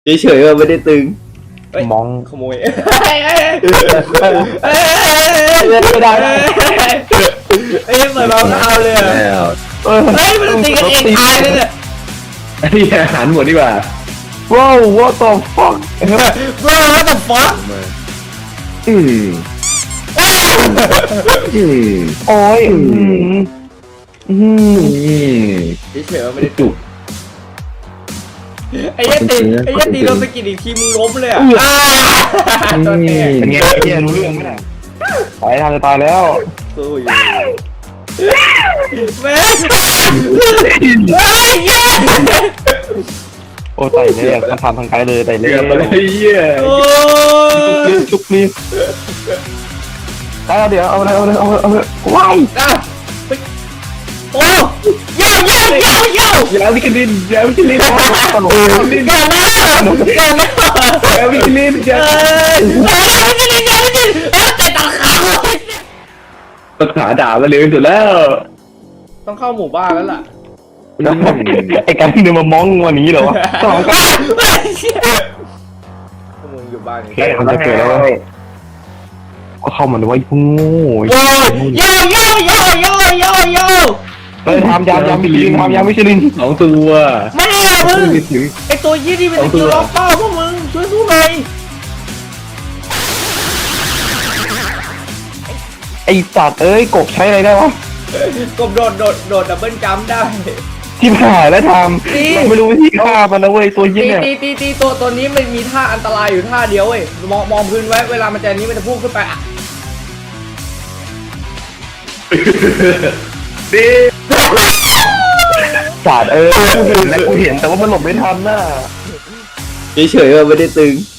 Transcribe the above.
เฉยๆว่าไม่ได้ตึงมองขโมยไม่ได้เอ้ยเหมือนเราเอาเลยเฮ้ยมันตีกันเองตายเลยเนี่ยนี่อาหารหมดดีกว่าว้าว what the fuck bro what the fuck อืมโอ้ยเฉยๆว่าไม่ได้จุกไอ้ยันตีโดนสกิดอีกทีมึงล้มเลยอ่ะตัวเองเป็นไงเนี่ยรู้เรื่องไหมเนี่ยตายทางจะตายแล้วสู้อยู่แม่โอ้ไต่เนี่ยมันทำทางไกลเลยไต่เลยเกือบไปเลยเหี้ยชุกรีบได้แล้วเดี๋ยวเอาเลยว้ายโอ้ยยาวิคลินตลกอย่านะยาวิคลินยาแต่ตาขาวตัดขาด่ามาเร็วที่สุดแล้วต้องเข้าหมู่บ้านแล้วล่ะไอ้การที่เดินมามองวันนี้เหรอวะสองก็มึงอยู่บ้านแค่มันจะเกิดแล้วก็เข้ามาดูว่าพุ่งโง่โย่ทำยามมิชลิน 2 ตัวไม่อะมึงไอตัวยี่ที่เป็นตัวล็อกเป้าพวกมึงช่วยสู้หน่อยไอ้สัตว์เอ้ยกบใช้อะไรได้วะกบโดดดับเบิลจัมป์ได้ที่ผ่านแล้วทำไม่รู้วิธีฆ่ามันนะเว้ยตัวยี่เนี่ยตีตัวนี้มันมีท่าอันตรายอยู่ท่าเดียวเว้ยมองพื้นไว้เวลามันจะนี้มันจะพุ่งขึ้นไปอ่ะดีสัตว์กูเห็นแต่ว่ามันหลบไม่ทันน่ะเฉยๆว่าไม่ได้ตึง